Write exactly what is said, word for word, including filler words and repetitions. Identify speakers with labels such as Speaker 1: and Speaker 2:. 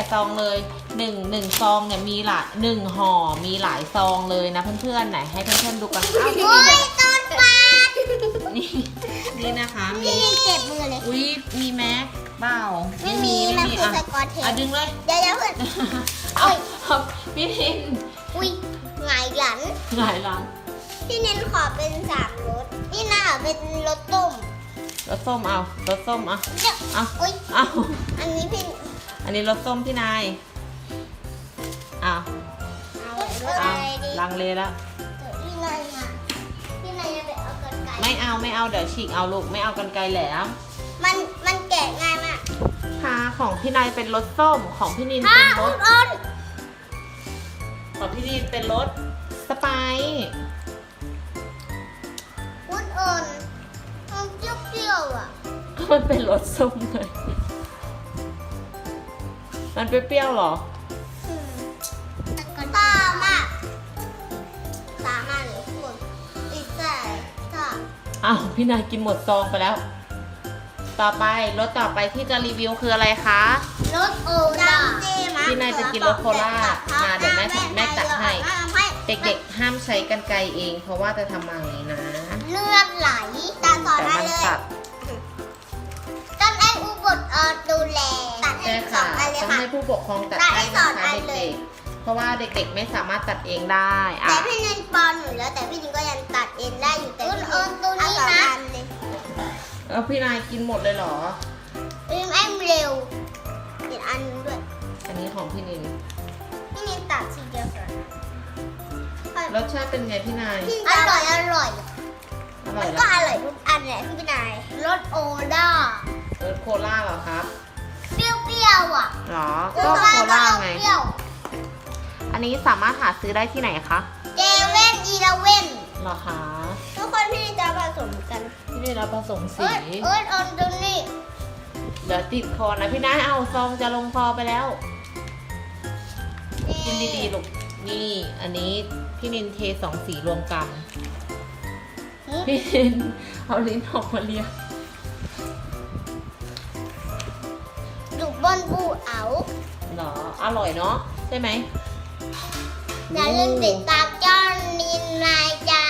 Speaker 1: ซองเลยหนึ่งหนึ่งซองเนี่ยมีหลายหนึ่งห่อมีหลายซองเลยนะเพื่อนๆไหนให้เพื่อนๆดูกันอ้าวพี่
Speaker 2: โอ้
Speaker 1: นิน
Speaker 2: ยต้นปลา
Speaker 1: นี่นี่นะคะมี
Speaker 2: พี่นินเจ็บมือเลย
Speaker 1: อุ้ยมีแม็กเปล่า
Speaker 2: ไม่มี
Speaker 1: ไม่
Speaker 2: มัน
Speaker 1: มี
Speaker 2: คือ
Speaker 1: อ่ะ
Speaker 2: สกอตเท
Speaker 1: อ่ะ
Speaker 2: ป
Speaker 1: ดึงเลย
Speaker 2: เดี๋ยวเดี๋ยวเพื่อน
Speaker 1: เอาเอาพี่นิน
Speaker 2: อุ้ยหงายหลัง
Speaker 1: หลายร้าน
Speaker 2: พี่นินขอเป็นสามรสนี่น่าเป็นรสต้ม
Speaker 1: รสส้มเอารสส้มเอา
Speaker 2: เดี๋ยว
Speaker 1: เอา
Speaker 2: อุ้ย
Speaker 1: เอา
Speaker 2: อันนี้พี่
Speaker 1: อันนี้รสส้มพี่นายเอา
Speaker 2: เอา
Speaker 1: เอา
Speaker 2: อะไรดี
Speaker 1: ลังเลแล้ว
Speaker 2: พี่นายอ่ะพี่นายจะไปเอากันไก่
Speaker 1: ไม่เอาไม่เอาเดี๋ยวฉีกเอาลูกไม่เอากันไกลแหลม
Speaker 2: มันมันแกะง่ายมาก
Speaker 1: ค่ะของพี่นายเป็นรสส้มของพี่นิน
Speaker 2: ฮ่า
Speaker 1: เป็นร
Speaker 2: อุ
Speaker 1: ส
Speaker 2: ดอ่อน
Speaker 1: ของพี่นินเป็นรสสไปซ์
Speaker 2: อุดอ่อนมันเปรี้ยวๆอ่ะ
Speaker 1: ก็มันเป็นรสส้มเลยมันเปรี้ยวๆเหรอ
Speaker 2: อืมตามากตามากเลยทุกคนอีกแต่ถ้า
Speaker 1: อ้าวพี่นายกินหมดซองไปแล้ว ต่อไปรสต่อไปที่จะรีวิวคืออะไรคะ
Speaker 2: รสโอล่า
Speaker 1: พี่นายจะกินรสโคล่ามาเดี๋ยวแม่แม่ตัดให้ เด็กๆห้ามใช้กันไกรเอง เพราะว่าจะทำอะไรนะ
Speaker 2: ๆเลือดไหลตาสอน
Speaker 1: แต่
Speaker 2: ได้
Speaker 1: มัน
Speaker 2: เลย
Speaker 1: ตัด
Speaker 2: ต้องให้อุบลเออดูแลตัดให้
Speaker 1: ใช่
Speaker 2: สอ
Speaker 1: ค่ะ
Speaker 2: งอันเลย
Speaker 1: ต้อง
Speaker 2: ค่ะ
Speaker 1: ให้ผู้ปกครองตัด
Speaker 2: ตัดให้
Speaker 1: ให้
Speaker 2: สอ
Speaker 1: นะ
Speaker 2: ง
Speaker 1: คะ
Speaker 2: อันเลย
Speaker 1: เด็กๆ เพราะว่าเด็กๆไม่สามารถตัดเองได้อ่ะ
Speaker 2: แต่พี่นินปอนหนูแล้วแต่พี่นินก็ยังตัดเองได้อยู่แต่พี่นินตัวนี้นะ
Speaker 1: แล้วพี่นายกินหมดเลยเหรอ
Speaker 2: อืมแอมเร็วอีกอันนึงด้วย
Speaker 1: อันนี้ของพี่นิน
Speaker 2: พี่นินตัดทีเดียวก่อน
Speaker 1: รสชาติเป็นไงพี่นาย
Speaker 2: อร่อยอร่อย
Speaker 1: อร่
Speaker 2: มั
Speaker 1: อย
Speaker 2: น
Speaker 1: เหร
Speaker 2: ก็
Speaker 1: อ
Speaker 2: อร่อยทุกอันแหละพี่นายรสโอล่าร
Speaker 1: สโคล่าเหรอครับ
Speaker 2: เปรี้ยวๆอ่ะ
Speaker 1: หรอ ก็โคล่าไง
Speaker 2: เปรี้ยว
Speaker 1: อันนี้สามารถหาซื้อได้ที่ไหนคะ
Speaker 2: เจเว่นอีเลเว่น
Speaker 1: เหรอคะ
Speaker 2: ทุกคนพี่นินจะผสมกัน
Speaker 1: พี่นินรับผสมสี
Speaker 2: เอิร์ดเอิร์ดออนตรงนี้
Speaker 1: เดี๋ยวติดคอนะพี่นายเอาซองจะลงคอไปแล้ว กินดีๆลูก นี่ อันนี้พี่นินเทสองสีรวมกัน พี่นินเอาลิ้นออกมาเลีย
Speaker 2: ดูบนบูเอา
Speaker 1: เหรอ อร่อยเนาะใช่ไหม
Speaker 2: อย่าลืมติดตามเจ้านินนายจ้า